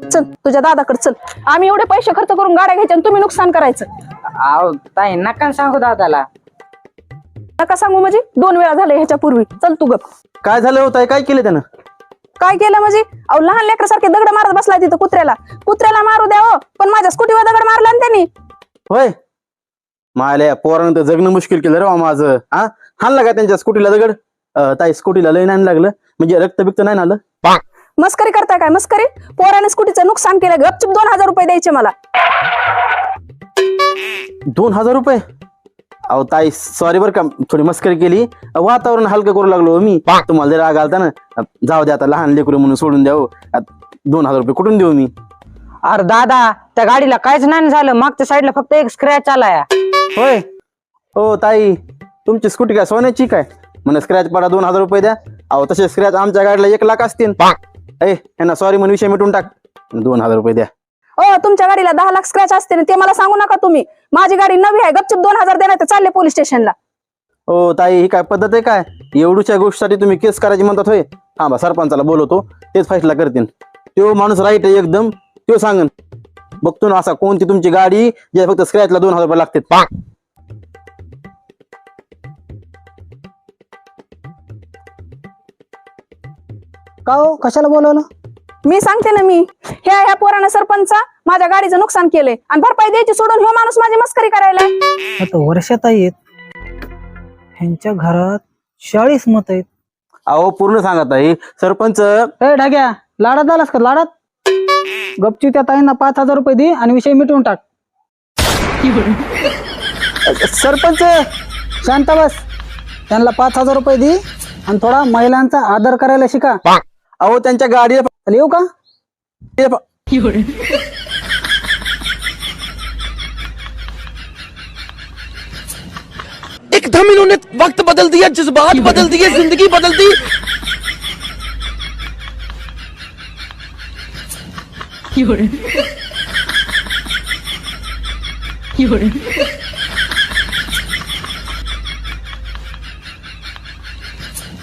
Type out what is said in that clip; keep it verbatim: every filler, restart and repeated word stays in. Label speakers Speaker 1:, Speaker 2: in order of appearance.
Speaker 1: चल तुझ्या दादाकडे चल. आम्ही एवढे पैसे खर्च करून गाड्या घ्यायच्या आणि तुम्ही नुकसान करायचं.
Speaker 2: अहो ताई नका सांगू दादाला.
Speaker 1: नका सांगू म्हणजे दोन वेळा झाले ह्याच्या पूर्वी. चल तू गप.
Speaker 3: काय झालं होतं काय केलं त्यानं?
Speaker 1: काय केलं म्हणजे? अहो लहान लेकरासारखे दगड मारत बसलाय तिथं कुत्र्याला. कुत्र्याला मारू द्या हो, पण माझ्या स्कूटीवर दगड मारला ना त्यांनी.
Speaker 3: होय माल्या पोरानं तर जगणं मुश्किल केलं रे बा माझं. हा हाणला का त्यांच्या स्कूटीला दगड? अं, ताई स्कूटीला लय नाही लागलं म्हणजे रक्त बिक्त नाही आलं?
Speaker 1: मस्करी करताय काय मस्करी? पोराने स्कूटीचं नुकसान केलं. गपचूप दोन हजार रुपये द्यायचे मला.
Speaker 3: दोन हजार रुपये? अहो ताई सॉरी बरं का, थोडी मस्करी केली. वातावरण हलकं करू लागलो मी. तुम्हाला जर राग आलता ना, जाऊ द्या आता लहान लेकरू म्हणून सोडून द्या. दोन हजार रुपये कुठून देऊ मी?
Speaker 2: अरे दादा त्या गाडीला काहीच नाही झालं, मागच्या साईडला फक्त एक स्क्रॅच आलाय.
Speaker 3: होय हो ताई, तुमची स्कूटी काय सोन्याची काय? म्हणे स्क्रॅच पडा दोन हजार रुपये द्या. अहो तसे स्क्रॅच आमच्या गाडीला एक लाख असतील. ए यांना सॉरी म्हणून विषय मिटून टाक. दोन हजार रुपये द्या.
Speaker 1: ओ तुमच्या गाडीला दहा लाख स्क्रॅच असते ना, ते मला सांगू नका तुम्ही. माझी गाडी नवी आहे. गपचूप दोन हजार देणार, चालले पोलीस स्टेशनला.
Speaker 3: हो ताई ही काय पद्धत आहे काय? एवढूच्या गोष्टीसाठी तुम्ही केस करायची म्हणतात होय? हा बा सरपंचाला बोलवतो, तेच फैसला करतील. तो माणूस राईट आहे एकदम, तो सांगन. बघतो ना असा कोणती तुमची गाडी जे फक्त स्क्रॅचला दोन हजार रुपये लागतात.
Speaker 4: का हो कशाला बोलवलं?
Speaker 1: मी सांगते ना, मी ह्या ह्या पोरानं सरपंच माझ्या गाडीचं नुकसान केलंय आणि भरपाई द्यायची सोडून ह्यो माणूस माझी मस्करी करायला.
Speaker 4: आता वर्षात आहेत ह्यांच्या घरात चाळीस मत आहेत.
Speaker 3: अहो पूर्ण सांगत आहे सरपंच.
Speaker 4: ए ढाग्या, लाडात आलास का? लाडात गपची त्या ताईंना पाच हजार रुपये दे आणि विषय मिटवून टाक.
Speaker 3: सरपंच
Speaker 4: शांत बस. त्यांना पाच हजार रुपये दे आणि थोडा महिलांचा आदर करायला शिका.
Speaker 3: अहो त्यांच्या गाडीला
Speaker 4: चल येऊ का?
Speaker 5: एकदम इन्होंने वक्त बदल दिया, जज्बात बदल दिए, जिंदगी बदल दी.